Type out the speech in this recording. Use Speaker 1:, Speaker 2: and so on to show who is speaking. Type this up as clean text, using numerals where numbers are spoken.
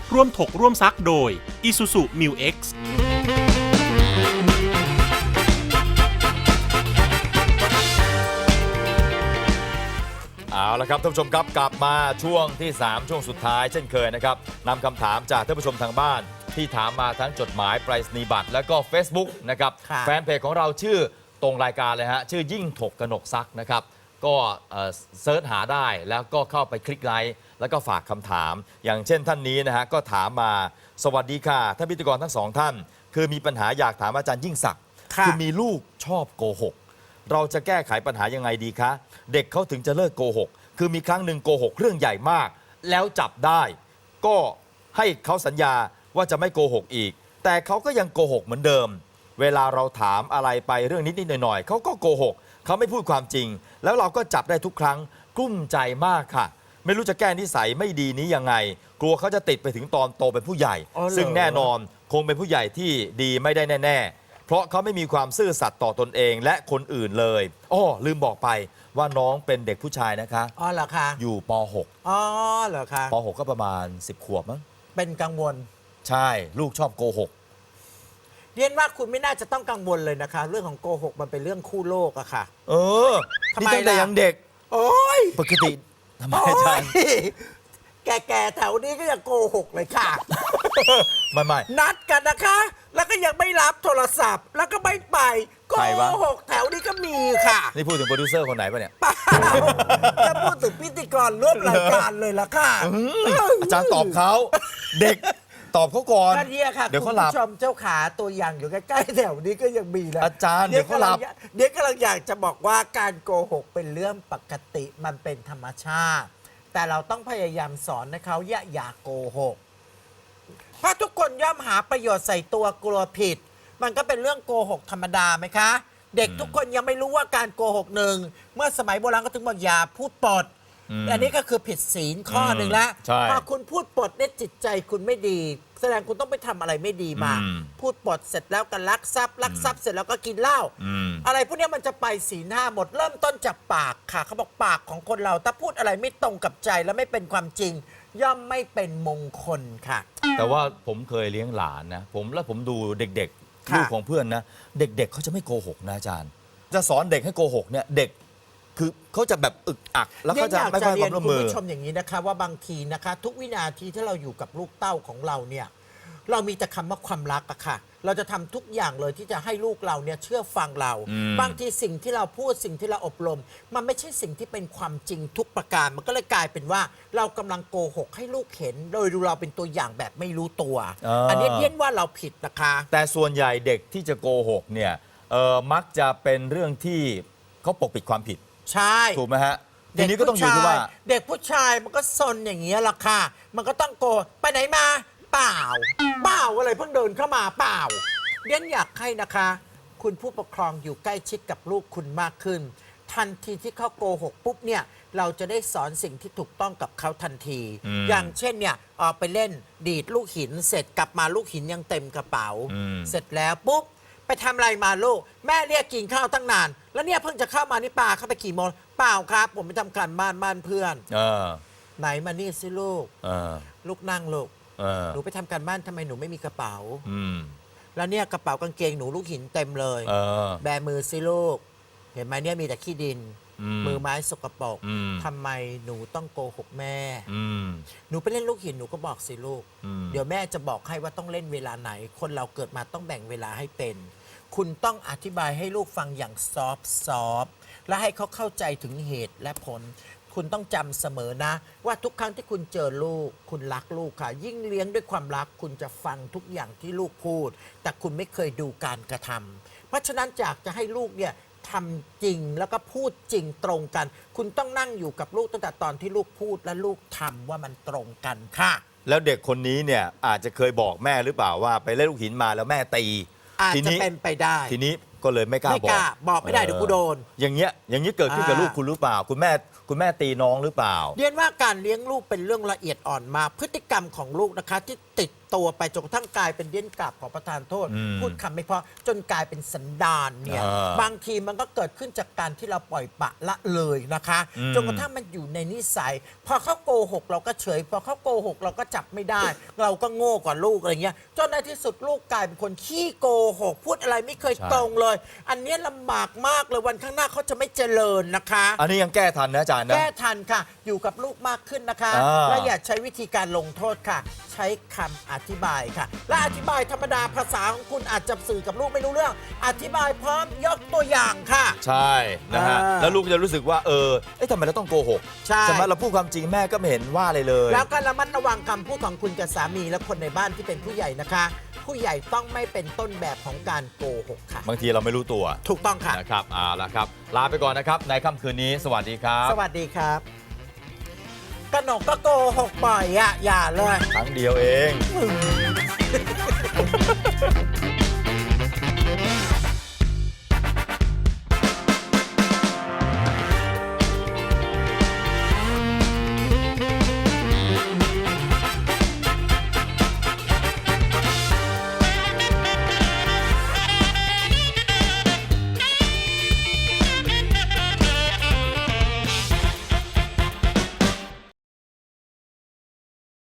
Speaker 1: ร่วมถกร่วมซักโดย Isuzu Mu X
Speaker 2: เอาละครับท่านผู้ชมครับกลับมาช่วงที่ 3 ช่วงสุดท้ายเช่นเคยนะครับนำคำถามจากท่านผู้ชมทางบ้านที่ถามมาทั้งจดหมายไปรษณียบัตรและก็ Facebook นะครับแฟนเพจของเราชื่อตรงรายการเลยฮะชื่อยิ่งถกกนกซักนะครับก็เซิร์ชหาได้แล้วก็เข้าไปคลิกไลค์แล้วก็ฝากคำถามอย่างเช่นท่านนี้นะฮะก็ถามมาสวัสดีค่ะท่านพิธีกรทั้งสองท่านคือมีปัญหาอยากถามอาจารย์ยิ่งศักดิ์คือมีลูกชอบโกหกเราจะแก้ไขปัญหายังไงดีคะเด็กเขาถึงจะเลิกโกหกคือมีครั้งหนึ่งโกหกเรื่องใหญ่มากแล้วจับได้ก็ให้เขาสัญญาว่าจะไม่โกหกอีกแต่เขาก็ยังโกหกเหมือนเดิมเวลาเราถามอะไรไปเรื่องนิดๆหน่อยๆเขาก็โกหกเขาไม่พูดความจริงแล้วเราก็จับได้ทุกครั้งกลุ้มใจมากค่ะไม่รู้จะแก้นิสัยไม่ดีนี้ยังไงกลัวเขาจะติดไปถึงตอนโตเป็นผู้ใหญ่ซึ่งแน่นอนคงเป็นผู้ใหญ่ที่ดีไม่ได้แน่ๆเพราะเขาไม่มีความซื่อสัตย์ต่อตนเองและคนอื่นเลยอ้อลืมบอกไปว่าน้องเป็นเด็กผู้ชายนะคะ
Speaker 3: อ๋อเหรอคะ
Speaker 2: อยู่ป .6
Speaker 3: อ๋อเหรอคะ
Speaker 2: ป .6 ก็ประมาณ10 ขวบมั้ง
Speaker 3: เป็นกังวล
Speaker 2: ใช่ลูกชอบโกหก
Speaker 3: เรียนว่าคุณไม่น่าจะต้องกังวลเลยนะคะเรื่องของโกหกมันเป็นเรื่องคู่โลกอะค่ะ
Speaker 2: นี่ตั้งแต่ยังเด็ก
Speaker 3: โอ้ย
Speaker 2: ปกติทำไมอาจารย์
Speaker 3: แก่ๆแถวนี้ก็ยังโกหกเลยค่ะ
Speaker 2: ไม่
Speaker 3: นัดกันนะคะ แล้วก็ยังไม่รับโทรศัพท์แล้วก็ไม่ไปโกหกแถวนี้ก็มีค่ะ
Speaker 2: นี่พูดถึงโปรดิวเซอร์คนไหนปะเนี่ย
Speaker 3: จะพูดถึงพิธีกรร่วมรายการเลยล่ะค่ะ
Speaker 2: อาจารย์ตอบเขาเด็กตอบเขาก่อน
Speaker 3: ก็เนี่ยค่ะเดี๋ยวเขาหลับคุณผู้ชมเจ้าขาตัวอย่างอยู่ใกล้ๆแถวนี้ก็ยังมีนะ
Speaker 2: อาจารย์เดี๋ยวเขาหลับ
Speaker 3: เดี๋ยวกำลังอยากจะบอกว่าการโกหกเป็นเรื่องปกติมันเป็นธรรมชาติแต่เราต้องพยายามสอนให้เขาอย่าโกหกเพราะทุกคนย่อมหาประโยชน์ใส่ตัวกลัวผิดมันก็เป็นเรื่องโกหกธรรมดาไหมคะเด็กทุกคนยังไม่รู้ว่าการโกหกหนึ่งเมื่อสมัยโบราณก็ถึงบอกอย่าพูดปดอันนี้ก็คือผิดศีลข้อหนึ่งแล้วพอคุณพูดปดเนี่ยจิตใจคุณไม่ดีแสดงคุณต้องไปทำอะไรไม่ดีมาพูดปดเสร็จแล้วก็ลักทรัพย์เสร็จแล้วก็กินเหล้าอะไรพวกนี้มันจะไปศีลห้าหมดเริ่มต้นจากปากค่ะเขาบอกปากของคนเราถ้าพูดอะไรไม่ตรงกับใจและไม่เป็นความจริงย่อมไม่เป็นมงคลค่ะ
Speaker 2: แต่ว่าผมเคยเลี้ยงหลานนะผมดูเด็กๆลูกของเพื่อนนะเด็กๆเขาจะไม่โกหกนะอาจารย์จะสอนเด็กให้โกหกเนี่ยเด็กคือเขาจะแบบอึกอักแล้วก็จะไม่ค่อยความร่วมมือ
Speaker 3: คุณผู้ชมอย่างนี้นะคะว่าบางทีนะคะทุกวินาทีที่เราอยู่กับลูกเต้าของเราเนี่ยเรามีแต่คำว่าความรักอะค่ะเราจะทำทุกอย่างเลยที่จะให้ลูกเราเนี่ยเชื่อฟังเราบางทีสิ่งที่เราพูดสิ่งที่เราอบรมมันไม่ใช่สิ่งที่เป็นความจริงทุกประการมันก็เลยกลายเป็นว่าเรากำลังโกหกให้ลูกเห็นโดยดูเราเป็นตัวอย่างแบบไม่รู้ตัวอันนี้เรียกว่าเราผิดนะคะ
Speaker 2: แต่ส่วนใหญ่เด็กที่จะโกหกเนี่ยมักจะเป็นเรื่องที่เขาปกปิดความผิด
Speaker 3: ใช่
Speaker 2: ถูกไหมฮะทีนี้ก็ต้องอยู่ที่ว่า
Speaker 3: เด็กผู้ชายมันก็ซนอย่างเงี้ยล่ะค่ะมันก็ต้องโกไปไหนมาเปล่าอะไรเพิ่งเดินเข้ามาเปล่าเรียนอยากให้นะคะคุณผู้ปกครองอยู่ใกล้ชิดกับลูกคุณมากขึ้นทันทีที่เขาโกหกปุ๊บเนี่ยเราจะได้สอนสิ่งที่ถูกต้องกับเขาทันทีอย่างเช่นเนี่ยไปเล่นดีดลูกหินเสร็จกลับมาลูกหินยังเต็มกระเป๋าเสร็จแล้วปุ๊บไปทำอะไรมาลูกแม่เรียกกินข้าวตั้งนานแล้วเนี่ยเพิ่งจะเข้ามานี่ป้าเข้าไปกี่โมงเปล่าครับผมไปทำการบ้านเพื่อนไหนมานี่สิลูกลูกนั่งลูกหนูไปทำการบ้านทำไมหนูไม่มีกระเป๋าแล้วเนี่ยกระเป๋ากางเกงหนูลูกหินเต็มเลยแบมือสิลูกเห็นไหมเนี่ยมีแต่ขี้ดินมือไม้สกปรกทำไมหนูต้องโกหกแม่หนูไปเล่นลูกหินหนูก็บอกสิลูกเดี๋ยวแม่จะบอกให้ว่าต้องเล่นเวลาไหนคนเราเกิดมาต้องแบ่งเวลาให้เป็นคุณต้องอธิบายให้ลูกฟังอย่างซอฟต์และให้เขาเข้าใจถึงเหตุและผลคุณต้องจำเสมอนะว่าทุกครั้งที่คุณเจอลูกคุณรักลูกค่ะยิ่งเลี้ยงด้วยความรักคุณจะฟังทุกอย่างที่ลูกพูดแต่คุณไม่เคยดูการกระทำเพราะฉะนั้นจากจะให้ลูกเนี่ยทำจริงแล้วก็พูดจริงตรงกันคุณต้องนั่งอยู่กับลูกตั้งแต่ตอนที่ลูกพูดและลูกทำว่ามันตรงกันค่ะ
Speaker 2: แล้วเด็กคนนี้เนี่ยอาจจะเคยบอกแม่หรือเปล่าว่าไปเล่นลูกหินมาแล้วแม่ตี
Speaker 3: อาจจะเป็นไปได้
Speaker 2: ทีนี้ก็เลยไม่กล้า
Speaker 3: บอกไม่ได้เดี๋ยวกูโดน
Speaker 2: อย่างเงี้ยเกิดขึ้นกับลูกคุณหรือเปล่าคุณแม่ตีน้องหรือเปล่า
Speaker 3: เรียนว่าการเลี้ยงลูกเป็นเรื่องละเอียดอ่อนมากพฤติกรรมของลูกนะคะที่ติดตัวไปจนกระทั่งกลายเป็นเดี้ยนกลับขอประทานโทษ พูดคำไม่เพราะจนกลายเป็นสันดานเนี่ยบางทีมันก็เกิดขึ้นจากการที่เราปล่อยปละละเลยนะคะจนกระทั่งมันอยู่ในนิสัยพอเขาโกหกเราก็เฉยพอเขาโกหกเราก็จับไม่ได้ เราก็โง่กว่าลูกอะไรเงี้ยจนในที่สุดลูกกลายเป็นคนขี้โกหกพูดอะไรไม่เคยตรงเลย อันเนี้ยลำบากมากเลยวันข้างหน้าเขาจะไม่เจริญนะคะ
Speaker 2: อันนี้ยังแก้ทันนะอาจารย์นะ
Speaker 3: แก้ทันค่ะ อยู่กับลูกมากขึ้นนะคะ และอย่าใช้วิธีการลงโทษค่ะ ใช้คำอธิบายค่ะ และอธิบายธรรมดาภาษาของคุณอาจจะสื่อกับลูกไม่รู้เรื่อง อธิบายพร้อมยกตัวอย่างค่ะ
Speaker 2: ใช่นะฮะ
Speaker 3: อ่า
Speaker 2: แล้วลูกจะรู้สึกว่าทำไมเราต้องโกหก
Speaker 3: ใช่
Speaker 2: ไหมเราพูดความจริงแม่ก็ไม่เห็นว่าอะไรเลย
Speaker 3: แล้วก็ระมัดระวังคำพูดของคุณกับสามีและคนในบ้านที่เป็นผู้ใหญ่นะคะ ผู้ใหญ่ต้องไม่เป็นต้นแบบของการโกหกค่ะ
Speaker 2: บางทีเราไม่รู้ตัว
Speaker 3: ถูกต้องค่ะ
Speaker 2: นะครับเอาละครับ ลาไปก่อนนะครับในค่ำคืนนี้สวัสดีครับ
Speaker 3: สวัสดีครับกนกก็โกหกบ่อยอะอย่าเลย
Speaker 2: ครั้งเดียวเอง